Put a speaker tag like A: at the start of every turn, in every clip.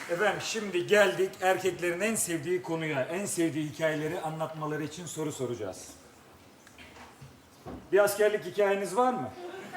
A: Efendim şimdi geldik erkeklerin en sevdiği konuya, en sevdiği hikayeleri anlatmaları için soru soracağız. Bir askerlik hikayeniz var mı?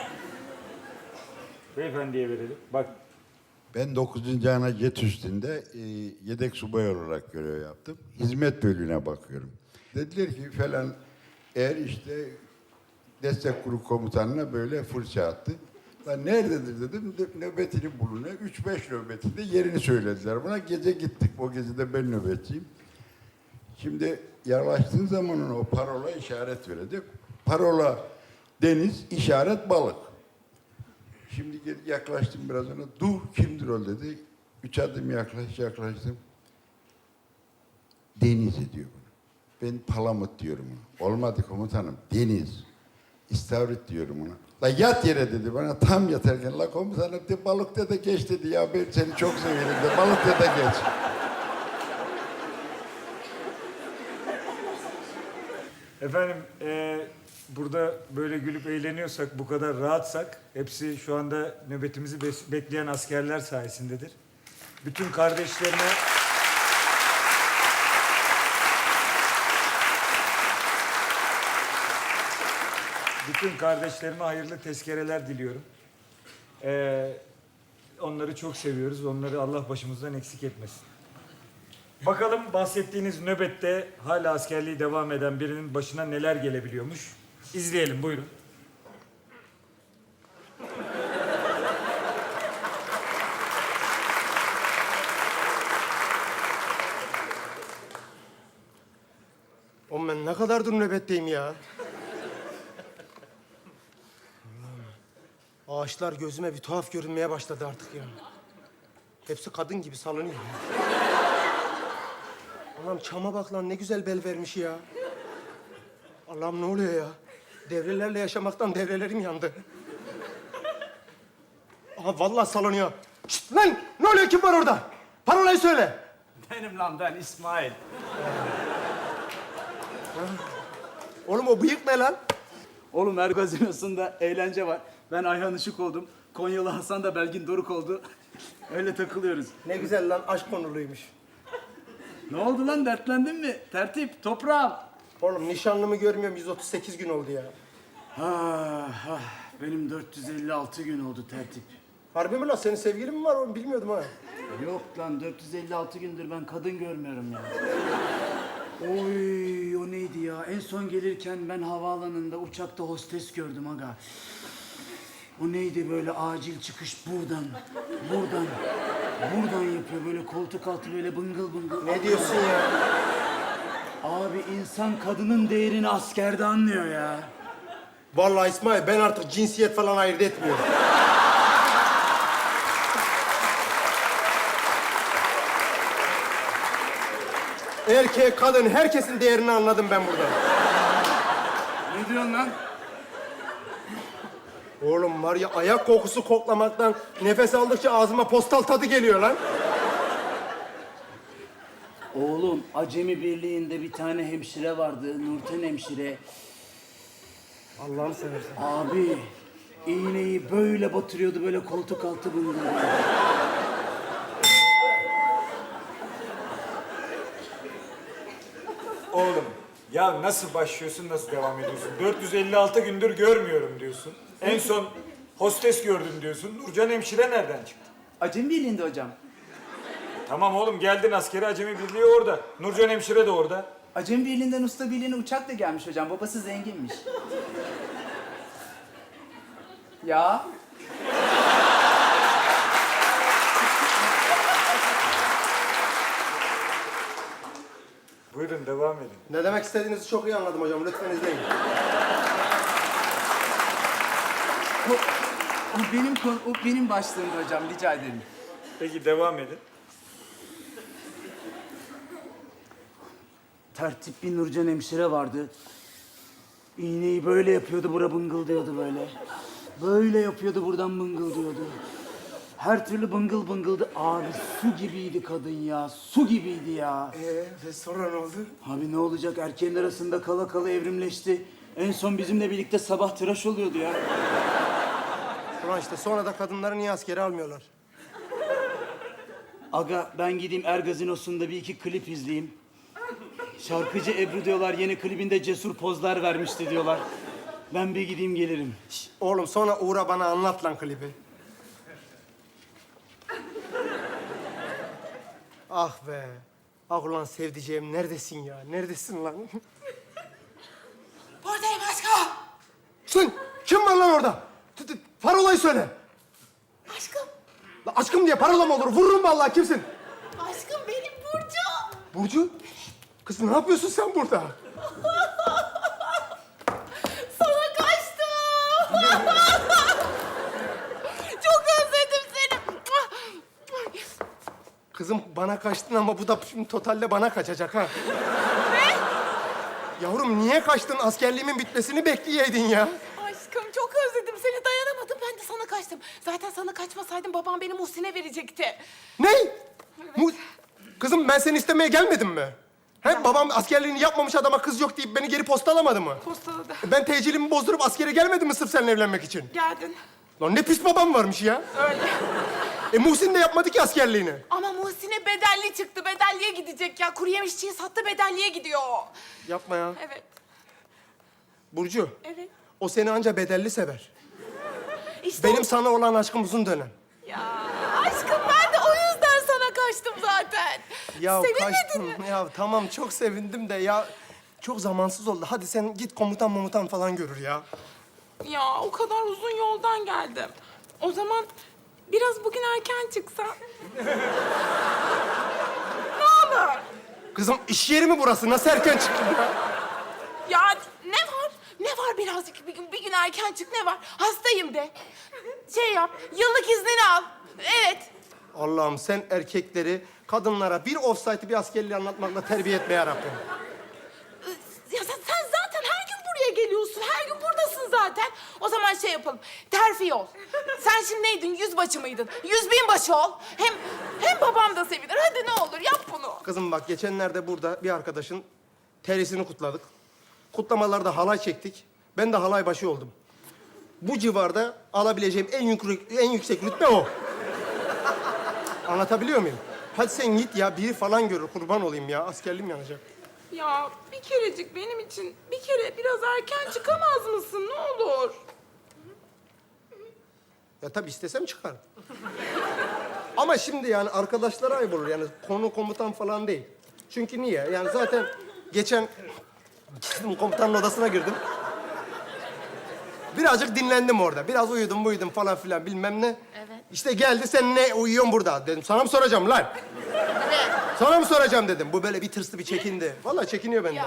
A: Beyefendiye verelim. Bak.
B: Ben 9. Ana Jet Üstü'nde yedek subay olarak görev yaptım. Hizmet bölüğüne bakıyorum. Dediler ki falan eğer işte destek grup komutanına böyle fırça attı. Ben nerededir dedim, nöbetini bulun. 3-5 nöbetinde yerini söylediler bana. Gece gittik, o gece de ben nöbetçiyim. Şimdi yaklaştığın zaman o parola işaret verecek. Parola deniz, işaret balık. Şimdi yaklaştım biraz ona. Dur, kimdir o dedi. 3 adım yaklaştım. Deniz diyor bunu. Ben palamut diyorum ona. Olmadı komutanım. Deniz. İstavrit diyorum ona. La yat yere dedi bana tam yatarken. La komutanım de balık de geç dedi. Ya ben seni çok severim de balık de geç.
A: Efendim burada böyle gülüp eğleniyorsak, bu kadar rahatsak hepsi şu anda nöbetimizi bekleyen askerler sayesindedir. Bütün kardeşlerime hayırlı tezkereler diliyorum. Onları çok seviyoruz. Onları Allah başımızdan eksik etmesin. Bakalım bahsettiğiniz nöbette hala askerliği devam eden birinin başına neler gelebiliyormuş. İzleyelim, buyurun.
C: Oğlum ben ne kadardır nöbetteyim ya? Allah'ım. Ağaçlar gözüme bir tuhaf görünmeye başladı artık ya. Hepsi kadın gibi salınıyor. Allah'ım çama bak lan, ne güzel bel vermiş ya. Allah'ım ne oluyor ya? Devrelerle yaşamaktan devrelerim yandı. Aha vallahi salınıyor. Şşt lan! Ne oluyor, kim var orada? Parolayı söyle.
D: Benim lan, ben İsmail.
C: Oğlum o bıyık ne lan?
D: Oğlum her gazinosunda eğlence var. Ben Ayhan Işık oldum. Konyalı Hasan da Belgin Doruk oldu. Öyle takılıyoruz.
C: Ne güzel lan, aşk konuluymuş.
D: Ne oldu lan, dertlendin mi? Tertip, toprağım.
C: Oğlum nişanlımı görmüyorum, 138 gün oldu ya.
D: Benim 456 gün oldu tertip.
C: Harbi mi lan? Senin sevgilin mi var oğlum? Bilmiyordum ha.
D: Yok lan, 456 gündür ben kadın görmüyorum ya. Oy, o neydi ya? En son gelirken ben havaalanında uçakta hostes gördüm aga. O neydi böyle acil çıkış buradan yapıyor böyle koltuk altı böyle bıngıl bıngıl.
C: Ne diyorsun ya?
D: Abi insan kadının değerini askerde anlıyor ya.
C: Vallahi İsmail, ben artık cinsiyet falan ayırt etmiyorum. Erkek, kadın, herkesin değerini anladım ben burada.
D: Ne diyorsun lan?
C: Oğlum var ya, ayak kokusu koklamaktan nefes aldıkça ağzıma postal tadı geliyor lan.
D: Oğlum Acemi Birliği'nde bir tane hemşire vardı, Nurten hemşire.
C: Allah'ını seversen.
D: Abi iğneyi böyle batırıyordu böyle koltuk altı bıngıl.
A: Oğlum ya nasıl başlıyorsun, nasıl devam ediyorsun? 456 gündür görmüyorum diyorsun. En son hostes gördüm diyorsun. Nurcan hemşire nereden çıktı?
D: Acemi Birliği'nde hocam.
A: Tamam oğlum, geldin askere, Acemi Birliği orada. Nurcan hemşire de orada.
D: Acemi Birliği'nden Usta Birliği'ne uçakla gelmiş hocam. Babası zenginmiş. Ya.
A: Buyurun devam edin.
C: Ne demek istediğinizi çok iyi anladım hocam. Lütfen izleyin.
D: O benim başlığımda hocam. Rica ederim.
A: Peki devam edin.
D: Tertip bir Nurcan hemşire vardı. İğneyi böyle yapıyordu, bura bıngıldıyordu böyle. Böyle yapıyordu, buradan bıngıldıyordu. Her türlü bıngıl bıngıldı. Abi su gibiydi kadın ya, su gibiydi ya.
C: Ve sonra ne oldu?
D: Abi ne olacak, erkeğin arasında kala kala evrimleşti. En son bizimle birlikte sabah tıraş oluyordu ya.
C: Ulan işte sonra da kadınları niye askere almıyorlar?
D: Aga ben gideyim Gazinosu'nda bir iki klip izleyeyim. Şarkıcı Ebru diyorlar yeni klibinde cesur pozlar vermişti diyorlar. Ben bir gideyim gelirim.
C: Oğlum sonra uğra bana anlat lan klibi. Ah be. Ah ulan sevdiceğim neredesin ya? Neredesin lan?
E: Buradayım aşkım.
C: Sen kim var lan orada? Parolayı söyle.
E: Aşkım.
C: La aşkım diye parola mı olur? Vururum vallahi kimsin?
E: Aşkım benim Burcu.
C: Burcu? Kız ne yapıyorsun sen burada?
E: Sana kaçtım. Çok özledim seni.
C: Kızım bana kaçtın ama bu da şimdi totalde bana kaçacak ha. Ne? Yavrum niye kaçtın? Askerliğimin bitmesini bekleyeydin ya.
E: Aşkım çok özledim seni, dayanamadım. Ben de sana kaçtım. Zaten sana kaçmasaydım babam beni Muhsin'e verecekti.
C: Ne? Kızım ben seni istemeye gelmedim mi? He, babam askerliğini yapmamış adama kız yok deyip beni geri postalamadı mı?
E: Postaladı.
C: Ben tecilimi bozdurup askere gelmedim mi sırf seninle evlenmek için?
E: Geldin.
C: Lan ne pis babam varmış ya.
E: Öyle.
C: Muhsin de yapmadı ki askerliğini.
E: Ama Muhsin'e bedelli çıktı. Bedelliye gidecek ya. Kuru yemişçiyi sattı, bedelliye gidiyor.
C: Yapma ya.
E: Evet.
C: Burcu,
E: Evet.
C: o seni anca bedelli sever.
E: İşte
C: Benim sana olan aşkım uzun dönem.
E: Ya aşkım ben de o yüzden sana kaçtım zaten.
C: Ya
E: Sevinmedin
C: kaçtım.
E: mi?
C: Ya tamam çok sevindim de ya çok zamansız oldu. Hadi sen git komutan falan görür ya.
E: Ya o kadar uzun yoldan geldim. O zaman biraz bugün erken çıksan. Ne olur?
C: Kızım iş yeri mi burası? Nasıl erken çıktın ya?
E: Ya ne var? Ne var birazcık bir gün erken çık ne var? Hastayım de. Şey yap, yıllık iznini al. Evet.
C: Allah'ım sen erkekleri kadınlara bir offside'ı bir askerliği anlatmakla terbiye etme yarabbim.
E: Ya sen zaten her gün buraya geliyorsun. Her gün buradasın zaten. O zaman şey yapalım. Terfi ol. Sen şimdi neydin? Yüzbaşı mıydın? 100.000 ol. Hem babam da sevinir. Hadi ne olur yap bunu.
C: Kızım bak geçenlerde burada bir arkadaşın terisini kutladık. Kutlamalarda halay çektik. Ben de halay başı oldum. Bu civarda alabileceğim en yüksek rütbe o. Anlatabiliyor muyum? Hadi sen git ya, biri falan görür, kurban olayım ya. Askerliğim yanacak.
E: Ya bir kerecik benim için bir kere biraz erken çıkamaz mısın? Ne olur.
C: Ya tabii istesem çıkarım. Ama şimdi yani arkadaşlara ayıp olur. Yani konu komutan falan değil. Çünkü niye? Yani zaten geçen gittim komutanın odasına girdim. Birazcık dinlendim orada. Biraz uyudum falan filan bilmem ne.
E: Evet.
C: İşte geldi sen ne uyuyorsun burada dedim. Sana mı soracağım lan?
E: Evet.
C: Sana mı soracağım dedim. Bu böyle bir tırstı bir çekindi. Vallahi çekiniyor benden.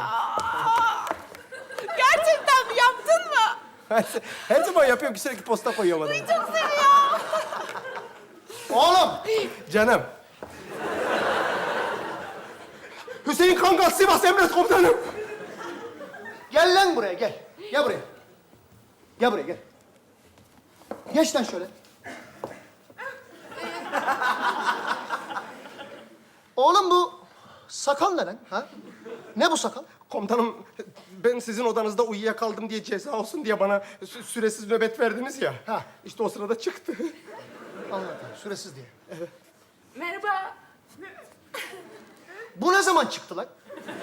E: Gerçekten mi yaptın mı?
C: Her zaman yapıyorum ki sürekli posta koyuyorum adamı.
E: Çok seviyorum.
C: Oğlum! Canım. Hüseyin Kangal, Sivas Emret Komutanım.
F: Gel lan buraya gel. Gel buraya. Gel buraya gel. Geç lan şöyle. Oğlum bu sakal ne lan? Ha? Ne bu sakal?
C: Komutanım, ben sizin odanızda uyuyakaldım diye ceza olsun diye bana süresiz nöbet verdiniz ya.
F: Ha.
C: İşte o sırada çıktı.
F: Anladım. Süresiz diye.
E: Merhaba.
F: Bu ne zaman çıktı lan?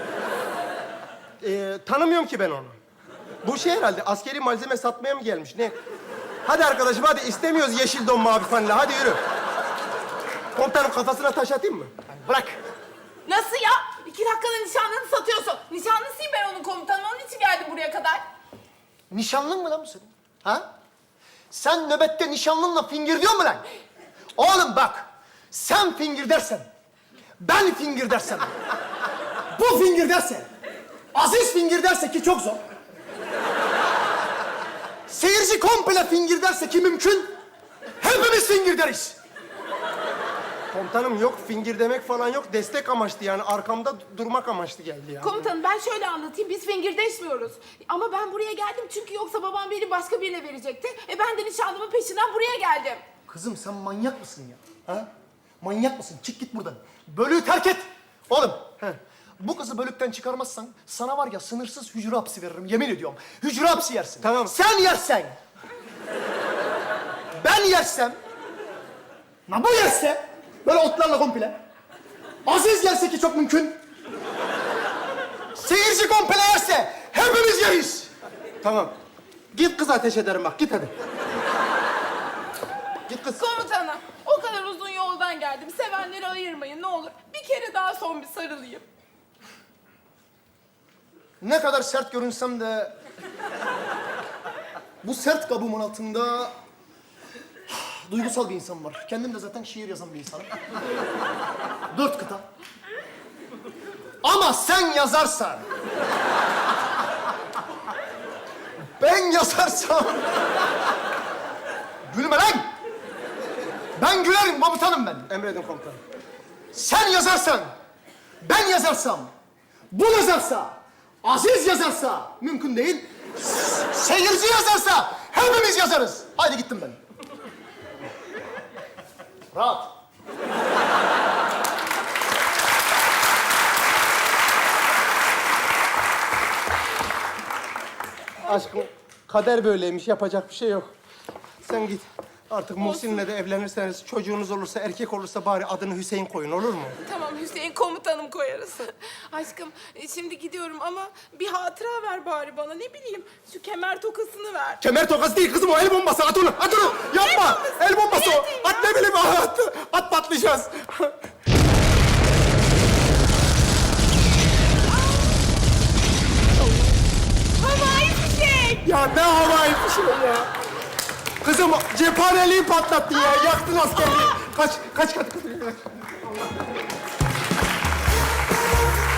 C: Tanımıyorum ki ben onu. Bu şey herhalde askeri malzeme satmaya mı gelmiş ne? Hadi arkadaşım hadi istemiyoruz yeşil don mavi fanla hadi yürü. Komutanım kafasına taş atayım mı?
F: Bırak.
E: Nasıl ya? 2 dakikada nişanlını satıyorsun. Nişanlısıyım ben onun komutanım. Onun için geldim buraya kadar.
F: Nişanlın mı lan bu senin? Ha? Sen nöbette nişanlınla fingir diyor mu lan? Oğlum bak. Sen fingir dersen. Ben fingir dersem. Bu fingir derse. Aziz fingir derse ki çok zor. Seyirci komple fingir derse ki mümkün. Hepimiz fingir deriz.
C: Komutanım yok fingir demek falan yok destek amaçlı yani arkamda durmak amaçlı geldi ya.
E: Komutanım ben şöyle anlatayım. Biz fingirdeşmiyoruz. Ama ben buraya geldim çünkü yoksa babam beni başka birine verecekti. Ben de nişanlımın peşinden buraya geldim.
F: Kızım sen manyak mısın ya? Ha? Manyak mısın? Çık git buradan. Bölüğü terk et. Oğlum. Bu kızı bölükten çıkarmazsan sana var ya sınırsız hücre hapsi veririm. Yemin ediyorum. Hücre hapsi yersin.
C: Tamam.
F: Sen yersen. Ben yersem. Na bu yerse. Böyle otlarla komple. Aziz gelse ki çok mümkün. Seyirci komple yerse hepimiz yeriz.
C: Tamam. Git kız ateş ederim bak. Git hadi. Git kız.
E: Komutanım, o kadar uzun yoldan geldim. Sevenleri ayırmayın ne olur. Bir kere daha son bir sarılayım.
F: Ne kadar sert görünsem de... bu sert kabuğumun altında... duygusal bir insan var. Kendim de zaten şiir yazan bir insanım. 4 kıta. Ama sen yazarsan... ben yazarsam... gülme lan! Ben gülerim komutanım ben.
C: Emredin komutanım.
F: Sen yazarsan, ben yazarsam, bu yazarsa, Aziz yazarsa, mümkün değil. Seyirci yazarsa, hepimiz yazarız. Haydi gittim ben. Rahat.
C: Aşkım kader böyleymiş. Yapacak bir şey yok. Sen git. Artık Muhsin'le de evlenirseniz, çocuğunuz olursa, erkek olursa bari adını Hüseyin koyun, olur mu?
E: Tamam Hüseyin komutanım koyarız. Aşkım şimdi gidiyorum ama bir hatıra ver bari bana. Ne bileyim şu kemer tokasını ver.
C: Kemer tokası değil kızım, o el bombası. At onu, at onu. Yapma. El bombası o. At ne bileyim, at patlayacağız.
E: Havai fişek.
C: Ya ne havai fişeği ya. Kızım cephaneliği patlattın ya. Yaktın askerliği. Kaç.